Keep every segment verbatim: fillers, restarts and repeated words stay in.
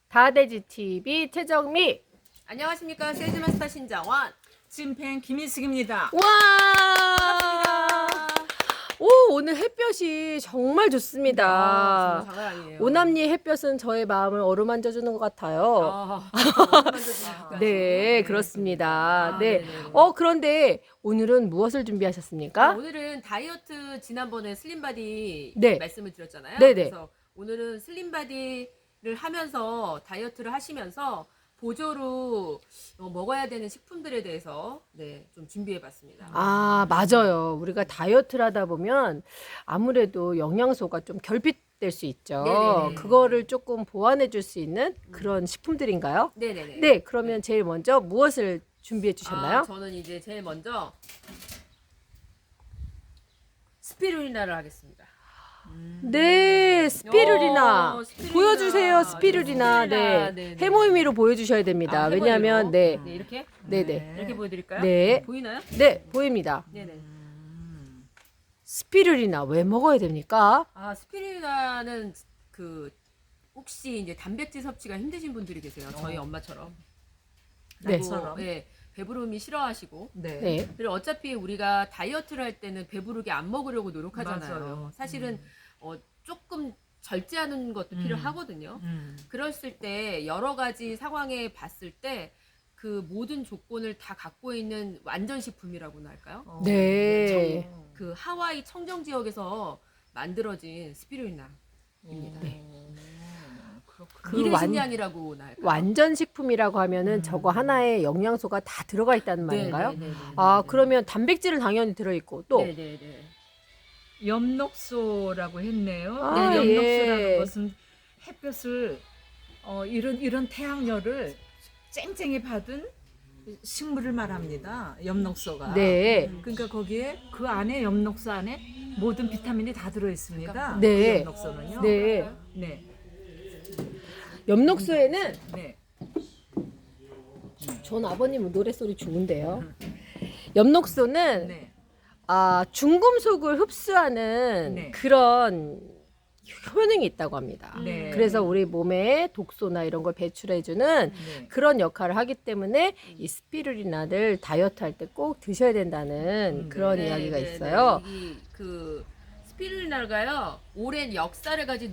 다돼지 티비 최정미. 안녕하십니까. 세즈마스터 신정원. 찐팬 김희숙입니다. 와! 반갑습니다. 오, 오늘 햇볕이 정말 좋습니다. 아, 정말 장난 아니에요. 오남리 햇볕은 저의 마음을 어루만져 주는 것 같아요. 아, 아, 네, 그렇습니다. 아, 네. 네네네. 어, 그런데 오늘은 무엇을 준비하셨습니까? 아, 오늘은 다이어트 지난번에 슬림바디 네. 말씀을 드렸잖아요. 네네. 그래서 오늘은 슬림바디를 하면서 다이어트를 하시면서 보조로 어, 먹어야 되는 식품들에 대해서 네, 좀 준비해봤습니다. 아, 맞아요. 우리가 다이어트를 하다 보면 아무래도 영양소가 좀 결핍될 수 있죠. 네네네. 그거를 조금 보완해 줄 수 있는 그런 식품들인가요? 네네네. 네, 그러면 제일 먼저 무엇을 준비해 주셨나요? 아, 저는 이제 제일 먼저 스피루리나를 하겠습니다. 네, 스피루리나. 어, 스피루리나. 보여주세요, 스피루리나. 스피루리나. 네, 네네. 해모임이로 보여주셔야 됩니다. 아, 왜냐하면, 해보이로. 네, 네, 이렇게 네, 네, 이렇게 보여드릴까요? 네. 보이나요? 네, 보입니다. 네네. 스피루리나 왜 먹어야 됩니까? 아, 스피루리나는 그 혹시 이제 단백질 섭취가 힘드신 분들이 계세요. 저희 엄마처럼. 네. 그리고, 네, 배부름이 싫어하시고. 네. 네, 그리고 어차피 우리가 다이어트를 할 때는 배부르게 안 먹으려고 노력하잖아요. 맞아요. 사실은 어, 조금 절제하는 것도 음. 필요하거든요. 음. 그랬을 때 여러 가지 상황에 봤을 때 그 모든 조건을 다 갖고 있는 완전식품이라고나 할까요? 어. 네. 정- 그 하와이 청정 지역에서 만들어진 스피루리나입니다. 네. 어, 그렇군요. 그 미래식량이라고나 할까요? 완전 식품이라고 하면은 음. 저거 하나에 영양소가 다 들어가 있다는 말인가요? 네네네네. 아, 그러면 단백질은 당연히 들어있고 또 네네네. 엽록소라고 했네요. 아, 네, 예. 엽록소라는 것은 햇볕을 어, 이런 이런 태양열을 쨍쨍히 받은 식물을 말합니다. 엽록소가. 네. 그러니까 거기에 그 안에 엽록소 안에 모든 비타민이 다 들어 있습니다. 네. 그 엽록소는요. 네. 네. 엽록소에는 네. 전 아버님은 노랫소리 좋은데요. 엽록소는 네. 아, 중금속을 흡수하는 네. 그런 효능이 있다고 합니다. 네. 그래서 우리 몸에 독소나 이런 걸 배출해주는 네. 그런 역할을 하기 때문에 이 스피루리나를 다이어트 할 때 꼭 드셔야 된다는 음, 그런 네, 이야기가 네, 있어요. 네. 이, 그 스피루리나가요 오랜 역사를 가진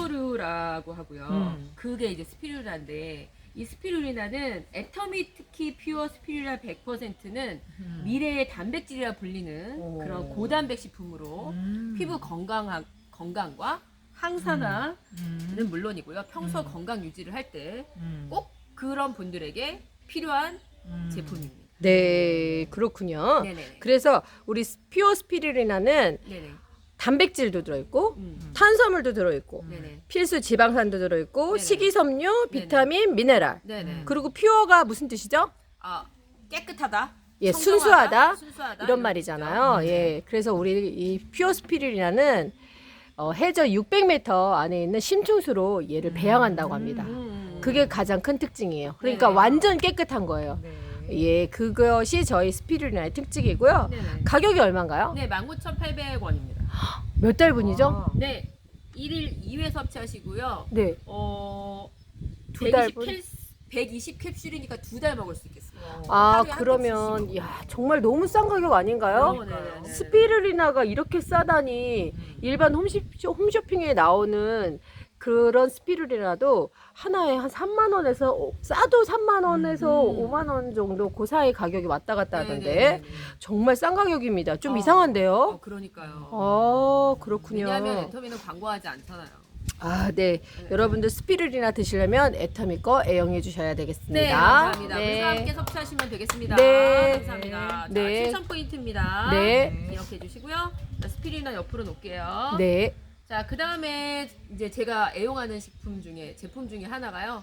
녹조류라고 하고요. 음. 그게 이제 스피루리나인데 이 스피루리나는 애터미 특히 퓨어 스피루리나 백 퍼센트는 음. 미래의 단백질이라 불리는 오. 그런 고단백 식품으로 음. 피부 건강 건강과 항산화는 음. 물론이고요. 평소 음. 건강 유지를 할 때 꼭 음. 그런 분들에게 필요한 음. 제품입니다. 네, 그렇군요. 네네. 그래서 우리 스- 퓨어 스피루리나는 네네. 단백질도 들어있고 음. 탄수화물도 들어있고 네네. 필수 지방산도 들어있고 네네. 식이섬유, 비타민, 미네랄. 네네. 그리고 퓨어가 무슨 뜻이죠? 아 깨끗하다. 예, 청정하다, 순수하다, 순수하다 이런 말이잖아요. 뜻이죠. 예, 그래서 우리 이 퓨어 스피루리나는 어, 해저 육백 미터 안에 있는 심층수로 얘를 배양한다고 합니다. 음. 그게 가장 큰 특징이에요. 그러니까 네네. 완전 깨끗한 거예요. 네. 예, 그것이 저희 스피루리나의 특징이고요. 네네. 가격이 얼마인가요? 네, 만 구천팔백 원입니다. 몇 달분이죠? 아. 네. 일 일 이 회 섭취하시고요. 네, 어 두 달분. 백이십 캡슐이니까 두 달 먹을 수 있겠습니다. 아, 하루에 한 그러면 캡슐씩 야, 정말 너무 싼 가격 아닌가요? 어, 네네네. 스피루리나가 이렇게 싸다니 일반 홈쇼, 홈쇼핑에 나오는 그런 스피루리나도 하나에 한 삼만 원에서 오- 싸도 삼만 원에서 음. 오만 원 정도 그 사이 가격이 왔다 갔다 하던데 네네네네. 정말 싼 가격입니다. 좀 어. 이상한데요? 어, 그러니까요. 어, 그렇군요. 왜냐하면 애터미는 광고하지 않잖아요. 아, 네. 여러분들 스피루리나 드시려면 애터미 거 애용해 주셔야 되겠습니다. 네, 감사합니다. 네. 물과 함께 섭취하시면 되겠습니다. 네. 감사합니다. 네. 자, 칠천 포인트입니다. 네. 기억해 주시고요. 자, 스피루리나 옆으로 놓을게요. 네. 자, 그 다음에 이제 제가 애용하는 식품 중에, 제품 중에 하나가요.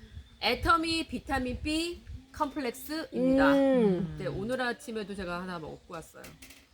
애터미 비타민 B 컴플렉스입니다. 음, 네, 오늘 아침에도 제가 하나 먹고 왔어요.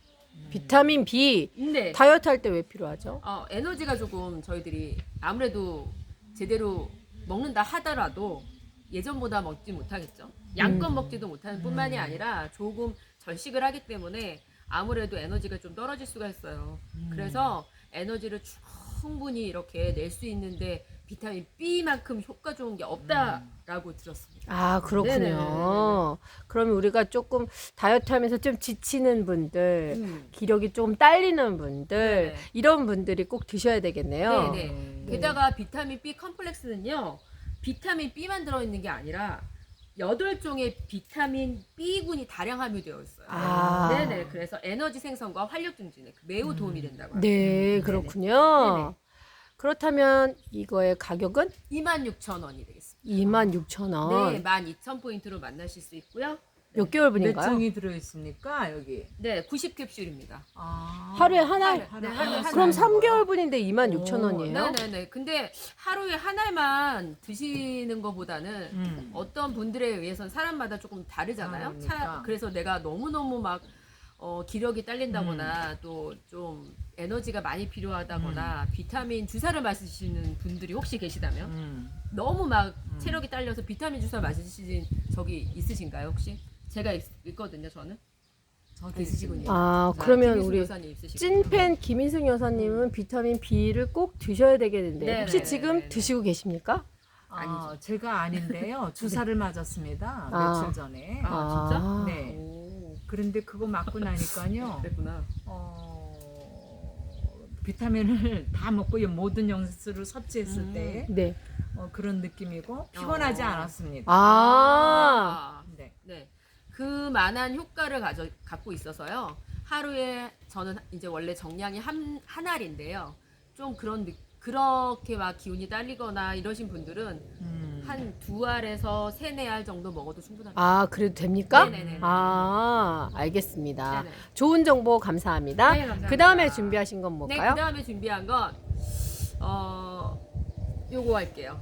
비타민 B 네. 다이어트 할 때 왜 필요하죠? 어, 에너지가 조금 저희들이 아무래도 제대로 먹는다 하더라도 예전보다 먹지 못하겠죠. 양껏 음. 먹지도 못하는 뿐만이 아니라 조금 절식을 하기 때문에 아무래도 에너지가 좀 떨어질 수가 있어요. 그래서 에너지를 충분히 이렇게 낼 수 있는데 비타민 B만큼 효과 좋은 게 없다라고 들었습니다. 아, 그렇군요. 네네네네네. 그러면 우리가 조금 다이어트 하면서 좀 지치는 분들, 음. 기력이 조금 딸리는 분들, 네네. 이런 분들이 꼭 드셔야 되겠네요. 네네. 음. 게다가 비타민 B 컴플렉스는요, 비타민 B만 들어있는 게 아니라 여덟 종의 비타민 B군이 다량 함유되어 있어요. 아. 네네. 그래서 에너지 생성과 활력 증진에 매우 도움이 된다고 합니다. 네, 그렇군요. 네네. 그렇다면 이거의 가격은 이만 육천 원이 되겠습니다. 이만 육천 원. 네, 만 이천 포인트로 만나실 수 있고요. 몇 개월 몇 분인가요? 종이 들어있습니까 여기? 네, 구십 캡슐입니다. 아. 하루에 하나? 네, 하루에 하나. 그럼 삼 개월 분인데 이만 육천 원이에요? 네네네. 근데 하루에 한 알만 드시는 것보다는 음. 어떤 분들에 의해서는 사람마다 조금 다르잖아요. 아, 그러니까. 차, 그래서 내가 너무너무 막 어, 기력이 딸린다거나 음. 또 좀 에너지가 많이 필요하다거나 비타민 주사를 맞으시는 분들이 혹시 계시다면 음. 너무 막 체력이 딸려서 비타민 주사 맞으신 적이 있으신가요 혹시? 제가 있, 있거든요 저는. 저도 있으시군요. 아, 자, 그러면 김희숙 우리 여사님 있으시고. 찐팬 김인승 여사님은 비타민 B를 꼭 드셔야 되겠는데 네네네네. 혹시 지금 드시고 계십니까? 아, 제가 아닌데요. 주사를 맞았습니다. 아. 며칠 전에. 아, 진짜? 네. 오, 그런데 그거 맞고 나니까요. 그랬구나. 어, 비타민을 다 먹고 이 모든 영수를 섭취했을 음. 때 네. 어, 그런 느낌이고 피곤하지 어. 않았습니다. 아, 아, 네. 네. 그만한 효과를 가져, 갖고 있어서요. 하루에 저는 이제 원래 정량이 한, 한 알인데요. 좀 그런 느- 그렇게 막 기운이 딸리거나 이러신 분들은 음. 한 두 알에서 세네 알 정도 먹어도 충분합니다. 아, 그래도 됩니까? 네네네. 아, 알겠습니다. 네네. 좋은 정보 감사합니다. 네, 감사합니다. 그 다음에 준비하신 건 네, 뭘까요? 그 다음에 준비한 건 어, 요거 할게요.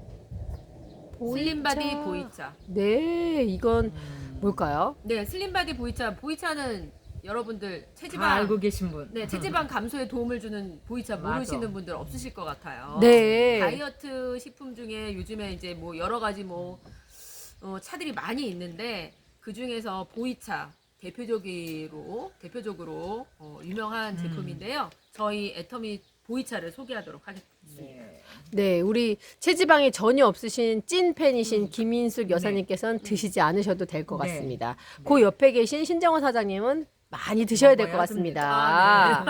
슬림바디 보이차. 네, 이건 음. 뭘까요? 네, 슬림바디 보이차. 보이차는 여러분들 다 체지방 알고 계신 분. 네, 체지방 감소에 도움을 주는 보이차 맞아. 모르시는 분들 없으실 것 같아요. 네. 다이어트 식품 중에 요즘에 이제 뭐 여러 가지 뭐 어, 차들이 많이 있는데 그 중에서 보이차 대표적으로 대표적으로 어, 유명한 음. 제품인데요. 저희 애터미 보이차를 소개하도록 하겠습니다. 네. 네, 우리 체지방이 전혀 없으신 찐 팬이신 음. 김인숙 여사님께서는 드시지 않으셔도 될 것 네. 같습니다. 그 옆에 계신 신정원 사장님은 많이 드셔야 될 것 먹어야 같습니다.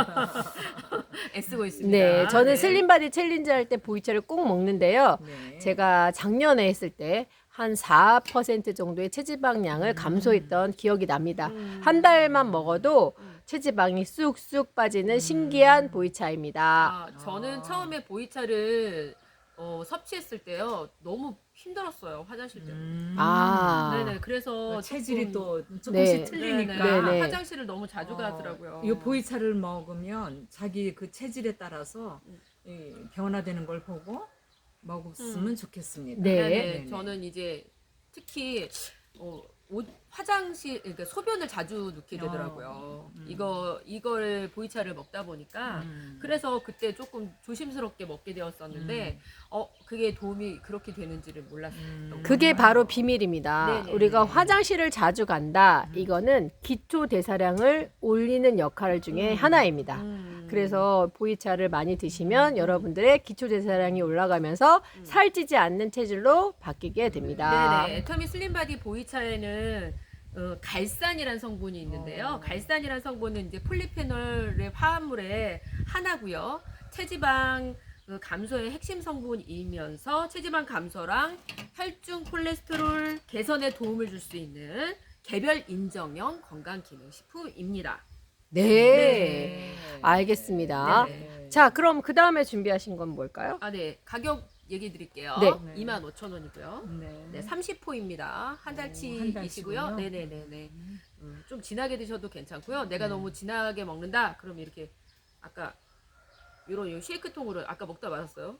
애쓰고 있습니다. 네, 저는 네. 슬림바디 챌린지 할 때 보이차를 꼭 먹는데요. 네. 제가 작년에 했을 때 한 사 퍼센트 정도의 체지방량을 감소했던 기억이 납니다. 음. 한 달만 먹어도 음. 체지방이 쑥쑥 빠지는 신기한 보이차입니다. 아, 저는 아. 처음에 보이차를 어, 섭취했을 때요 너무 힘들었어요 화장실 때문에. 음. 아, 네네 그래서 그 체질이 조금- 또 네. 조금씩 틀리니까. 네, 네. 화장실을 너무 자주 가더라고요. 이 보이차를 먹으면 자기 그 체질에 따라서 음. 이 변화되는 걸 보고 먹었으면 음. 좋겠습니다. 네. 네네. 네네. 저는 이제 특히 어, 옷, 화장실 그러니까 소변을 자주 넣게 되더라고요. 어, 음. 이거 이걸 보이차를 먹다 보니까 음. 그래서 그때 조금 조심스럽게 먹게 되었었는데 어 그게 도움이 그렇게 되는지를 몰랐어요. 음. 그게 바로 비밀입니다. 네네. 우리가 화장실을 자주 간다. 음. 이거는 기초 대사량을 올리는 역할 중에 음. 하나입니다. 음. 그래서 보이차를 많이 드시면 여러분들의 기초 대사량이 올라가면서 음. 살찌지 않는 체질로 바뀌게 됩니다. 네네. 애터미 슬림바디 보이차에는 어, 갈산이라는 성분이 있는데요. 어. 갈산이라는 성분은 이제 폴리페놀의 화합물의 하나고요. 체지방 어, 감소의 핵심 성분이면서 체지방 감소랑 혈중 콜레스테롤 개선에 도움을 줄 수 있는 개별 인정형 건강기능식품입니다. 네. 네. 알겠습니다. 네네. 자, 그럼 그 다음에 준비하신 건 뭘까요? 아, 네. 가격 얘기 드릴게요. 네. 이만 오천 원이고요. 네. 네, 삼십 호입니다. 한 오, 달치이시고요. 한 달치군요. 네네네네. 음, 좀 진하게 드셔도 괜찮고요. 내가 네. 너무 진하게 먹는다. 그럼 이렇게 아까 요런 요 쉐이크 통으로 아까 먹다 말았어요.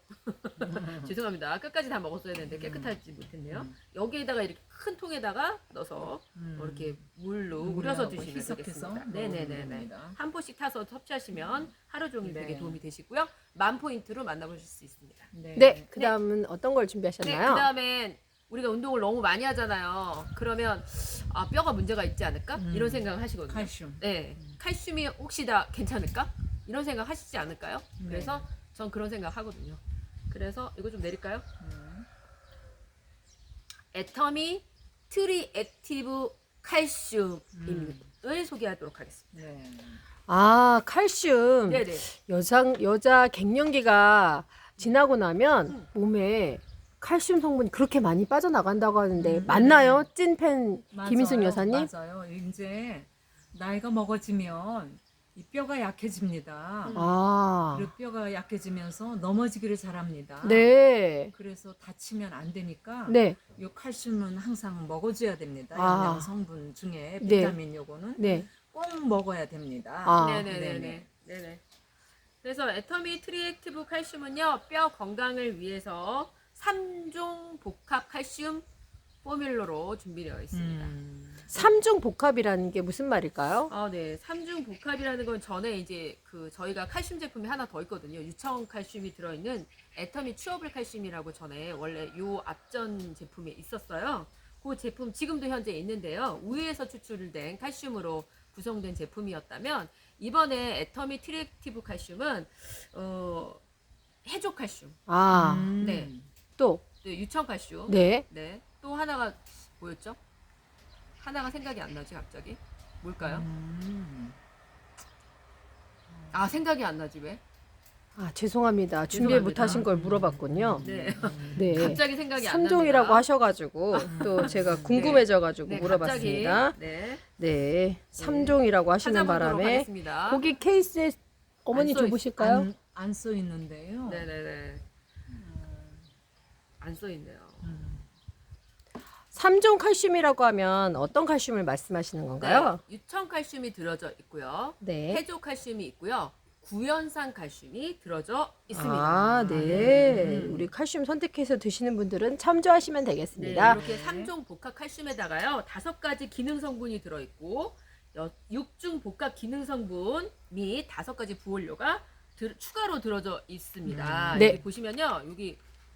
죄송합니다. 끝까지 다 먹었어야 되는데 깨끗하지 못했네요. 음. 여기에다가 이렇게 큰 통에다가 넣어서 음. 뭐 이렇게 물로 물하고 우려서 드시면 희석해서 되겠습니다. 먹으면 네네네네. 됩니다. 한 포씩 타서 섭취하시면 하루 종일 네. 되게 도움이 되시고요. 만 포인트로 만나보실 수 있습니다. 네. 네, 그 다음은 어떤 걸 준비하셨나요? 네, 그 다음엔 우리가 운동을 너무 많이 하잖아요. 그러면 아, 뼈가 문제가 있지 않을까? 음. 이런 생각을 하시거든요. 칼슘. 네, 칼슘이 혹시 다 괜찮을까? 이런 생각 하시지 않을까요? 네. 그래서 전 그런 생각 하거든요. 그래서 이거 좀 내릴까요? 음. 애터미 트리액티브 칼슘을 소개하도록 하겠습니다. 네. 아, 칼슘. 네네. 여성 여자 갱년기가 지나고 나면 음. 몸에 칼슘 성분이 그렇게 많이 빠져나간다고 하는데 음. 맞나요? 찐팬 김인숙 맞아요, 여사님? 맞아요. 이제 나이가 먹어지면 이 뼈가 약해집니다. 음. 아, 그리고 뼈가 약해지면서 넘어지기를 잘합니다. 네, 그래서 다치면 안 되니까 네, 이 칼슘은 항상 먹어줘야 됩니다. 아. 영양 성분 중에 네. 비타민 요거는 네. 꼭 먹어야 됩니다. 아. 네네네네. 네네. 그래서 애터미 트리액티브 칼슘은요, 뼈 건강을 위해서 삼 종 복합 칼슘 포뮬러로 준비되어 있습니다. 음. 삼중 복합이라는 게 무슨 말일까요? 아, 네. 삼 중 복합이라는 건 전에 이제 그 저희가 칼슘 제품이 하나 더 있거든요. 유청 칼슘이 들어있는 애터미 츄어블 칼슘이라고 전에 원래 요 앞전 제품에 있었어요. 그 제품 지금도 현재 있는데요. 우유에서 추출된 칼슘으로 구성된 제품이었다면 이번에 애터미 트리액티브 칼슘은 어, 해조 칼슘, 아, 음. 네. 또, 네, 유청 칼슘, 네. 네. 또 하나가 뭐였죠? 하나가 생각이 안 나지 갑자기. 뭘까요? 음. 아, 생각이 안 나지 왜? 아, 죄송합니다. 준비 죄송합니다. 못하신 걸 물어봤군요. 네. 네. 갑자기 생각이 안 납니다. 삼종이라고 하셔가지고 또 제가 궁금해져가지고 네, 물어봤습니다. 갑자기, 네. 네, 삼종이라고 하시는 찾아보도록 바람에 하겠습니다. 거기 케이스에 어머니 안 써 있- 줘보실까요? 안 써 있는데요. 네네네. 안 써 있네요. 음. 삼종 칼슘이라고 하면 어떤 칼슘을 말씀하시는 건가요? 네, 유청 칼슘이 들어져 있고요. 네. 해조 칼슘이 있고요. 구연산 칼슘이 들어져 있습니다. 아, 네. 음. 우리 칼슘 선택해서 드시는 분들은 참조하시면 네, 되겠습니다. 이렇게 삼 종 복합 칼슘에다가요. 다섯 가지 기능 성분이 들어 있고 육 중 복합 기능 성분 및 다섯 가지 부원료가 들- 추가로 들어져 있습니다. 음. 네. 여기 보시면요. 여기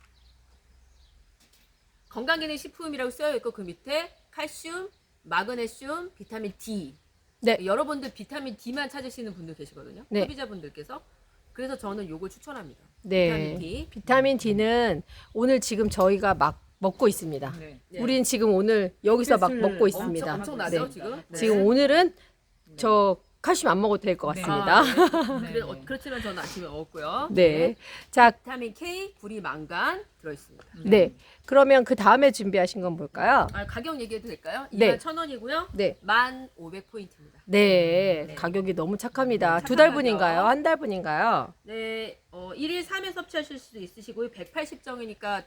건강기능식품이라고 쓰여 있고 그 밑에 칼슘, 마그네슘, 비타민 D. 네. 여러분들 비타민 D만 찾으시는 분들 계시거든요. 네. 소비자분들께서. 그래서 저는 요걸 추천합니다. 네. 비타민 D. 비타민 D는 오늘 지금 저희가 막 먹고 있습니다. 네. 네. 우린 지금 오늘 여기서 막 햇을 먹고 있습니다. 엄청, 엄청나죠 네. 지금? 네. 지금 오늘은 저 칼슘 안 먹어도 될 것 네. 같습니다. 아, 네. 네. 그래, 어, 그렇지만 저는 아침에 먹었고요. 네. 자, 비타민 K, 구리, 망간 들어있습니다. 네. 그러면 그 다음에 준비하신 건 뭘까요? 아, 가격 얘기해도 될까요? 네. 이만 천 원이고요. 네. 만 오백 포인트입니다. 네. 네. 가격이 너무 착합니다. 네, 두 달 착한 분인가요? 가격. 한 달 분인가요? 네, 어, 일 일 삼 회 섭취하실 수도 있으시고요. 백팔십 정이니까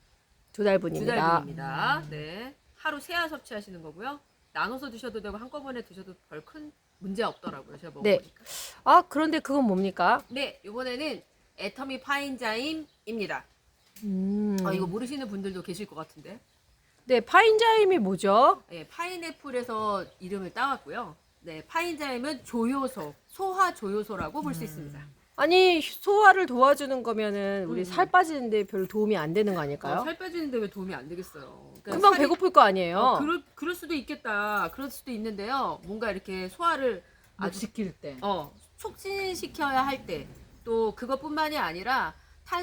두 달 두 분입니다. 달 분입니다. 네. 하루 세 알 섭취하시는 거고요. 나눠서 드셔도 되고 한꺼번에 드셔도 별 큰 문제 없더라고요. 제가 네. 먹어보니까. 아, 그런데 그건 뭡니까? 네, 이번에는 애터미 파인자임입니다. 음. 어, 이거 모르시는 분들도 계실 것 같은데. 네, 파인자임이 뭐죠? 네, 파인애플에서 이름을 따왔고요. 네, 파인자임은 조효소, 소화 조효소라고 볼 수 있습니다. 아니, 소화를 도와주는 거면은 우리 음. 살 빠지는데 별 도움이 안 되는 거 어, 아닐까요? 살 빼지는데 왜 도움이 안 되겠어요? 그러니까 금방 살이- 배고플 거 아니에요? 어, 그럴, 그럴 수도 있겠다. 그럴 수도 있는데요. 뭔가 이렇게 소화를 못 아주 시킬 때. 어, 촉진시켜야 할 때, 또 그것뿐만이 아니라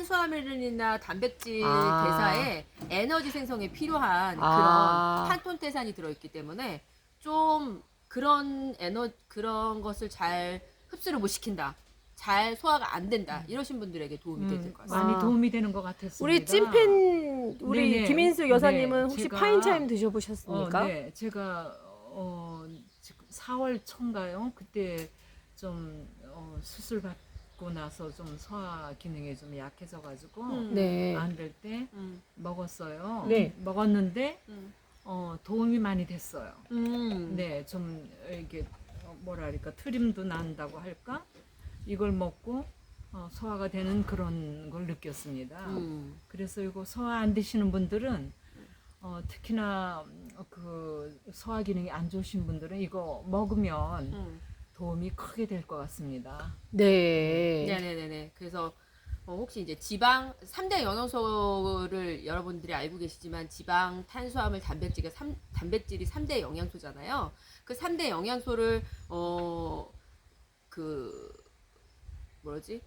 탄수화물이나 단백질 아. 대사에 에너지 생성에 필요한 아. 그런 탄톤테산이 들어있기 때문에 좀 그런 에너 그런 것을 잘 흡수를 못 시킨다, 잘 소화가 안 된다 이러신 분들에게 도움이 될 음, 것 같습니다. 많이 아. 도움이 되는 것 같았습니다. 우리 찐팬 우리 네네. 김인수 여사님은 네, 혹시 제가- 파인자임 드셔보셨습니까? 어, 네, 제가 어, 지금 사월 초인가요? 그때 좀 어, 수술 받고 나서 좀 소화 기능이 좀 약해져가지고 음. 네. 안 될 때 음, 먹었어요. 네. 먹었는데 음, 어, 도움이 많이 됐어요. 음. 네, 좀 이게 어, 뭐랄까 트림도 난다고 할까? 이걸 먹고 어, 소화가 되는 그런 걸 느꼈습니다. 음. 그래서 이거 소화 안 되시는 분들은 어, 특히나 어, 그 소화 기능이 안 좋으신 분들은 이거 먹으면 음. 도움이 크게 될 것 같습니다. 네. 네네네네. 그래서 어, 혹시 이제 지방 삼 대 영양소를 여러분들이 알고 계시지만 지방, 탄수화물, 단백질이 삼 단백질이 삼 대 영양소잖아요. 그 삼 대 영양소를 어 그 뭐지?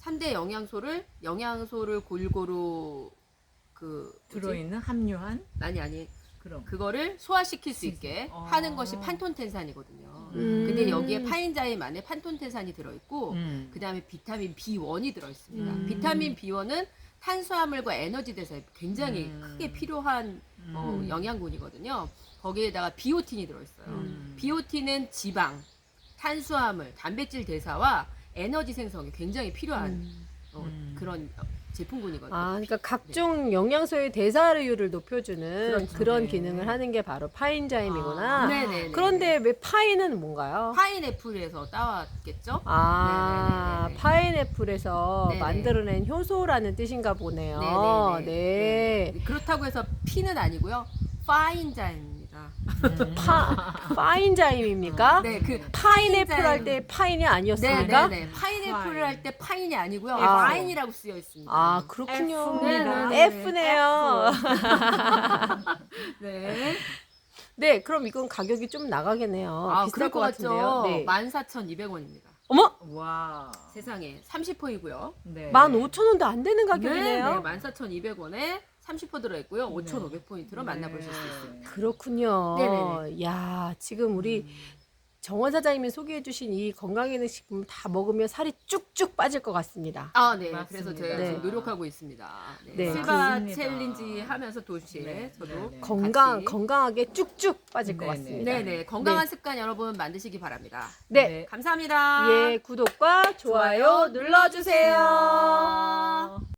삼 대 영양소를 영양소를 골고루 그 뭐지? 들어있는 함유한 아니 아니 그럼. 그거를 소화시킬 수 있게 어. 하는 것이 판톤텐산이거든요. 음. 근데 여기에 파인자임 안에 판톤텐산이 들어있고 음. 그 다음에 비타민 비 원이 들어있습니다. 음. 비타민 비 원은 탄수화물과 에너지 대사에 굉장히 음. 크게 필요한 어, 음. 영양분이거든요. 거기에다가 비오틴이 들어있어요. 음. 비오틴은 지방, 탄수화물, 단백질 대사와 에너지 생성에 굉장히 필요한 음. 어, 음. 그런 제품군이거든요. 아, 그러니까 각종 영양소의 대사율을 높여주는 그렇죠. 그런 네. 기능을 하는 게 바로 파인자임이구나. 아. 네네네. 그런데 왜 파인은 뭔가요? 파인애플에서 따왔겠죠? 아, 네네네네. 파인애플에서 네네. 만들어낸 효소라는 뜻인가 보네요. 네네네. 네. 네. 그렇다고 해서 피는 아니고요. 파인자입니다. 음. 파, 파인자임입니까? 네, 그 파인애플 파인자임. 할 때 파인이 아니었습니까? 네네네. 파인애플을 파인. 할 때 파인이 아니고요. 아. 파인이라고 쓰여 있습니다. 아, 그렇군요. F입니다. 네네네. F네요. 네. 네, 그럼 이건 가격이 좀 나가겠네요. 아, 비쌀 그럴 것 것 같은데요. 같죠? 네. 만 사천이백 원입니다. 어머! 와. 세상에 삼십 퍼이고요. 네. 만 오천 원도 안 되는 가격이네요. 네, 만 사천이백 원에 삼십 퍼 들어있고요. 오천오백 포인트로 만나보실 수 있습니다. 그렇군요. 네네네. 야, 지금 우리 음. 정원 사장님이 소개해주신 이 건강기능식품 다 먹으면 살이 쭉쭉 빠질 것 같습니다. 아, 네. 맞습니다. 그래서 제가 네. 지금 노력하고 있습니다. 네. 네. 실바 그렇습니다. 챌린지 하면서 동시에 네, 저도 네, 네. 건강 같이. 건강하게 쭉쭉 빠질 것 네네. 같습니다. 네네. 건강한 습관 여러분 만드시기 바랍니다. 네. 네. 감사합니다. 예, 구독과 좋아요 눌러주세요.